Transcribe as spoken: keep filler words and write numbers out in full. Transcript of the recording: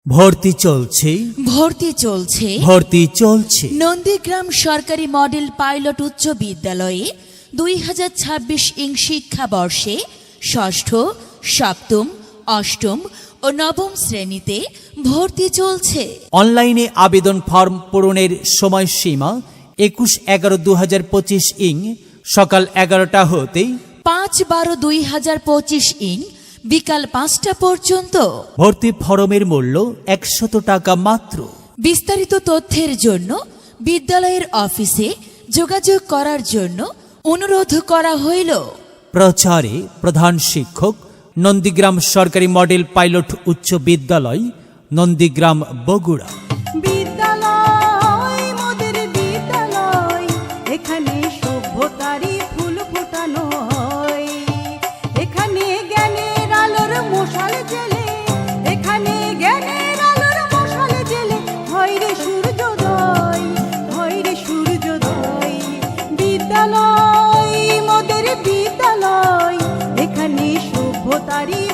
ভর্তি চলছে ভর্তি চলছে ভর্তি চলছে নন্দীগ্রাম সরকারি মডেল পাইলট উচ্চ বিদ্যালয়ে দুই হাজার ছাব্বিশ ইং শিক্ষাবর্ষে ষষ্ঠ সপ্তম অষ্টম ও নবম শ্রেণীতে ভর্তি চলছে। অনলাইনে আবেদন ফর্ম পূরণের সময়সীমা একুশ এগারো দু হাজার পঁচিশ ইং সকাল এগারোটা হতে পাঁচ বারো দুই হাজার পঁচিশ ইং বিকাল পাঁচটা পর্যন্ত। ভর্তি ফরমের মূল্য একশত টাকা মাত্র। বিস্তারিত তথ্যের জন্য বিদ্যালয়ের অফিসে যোগাযোগ করার জন্য অনুরোধ করা হইল। প্রচারে প্রধান শিক্ষক, নন্দীগ্রাম সরকারি মডেল পাইলট উচ্চ বিদ্যালয়, নন্দীগ্রাম, বগুড়া। বিদ্যালয় মোদের বিদ্যালয়, এখানে সভ্যতারই ফুল ফোটানো হয়, এখানে জ্ঞানের আলোর মশাল জেলে, এখানে জ্ঞানের আলোর মশাল জেলে হয় রে সূর্যোদয়, হয় রে সূর্যোদয়। বিদ্যালয় মোদের বিদ্যালয়, এখানে সভ্যতারই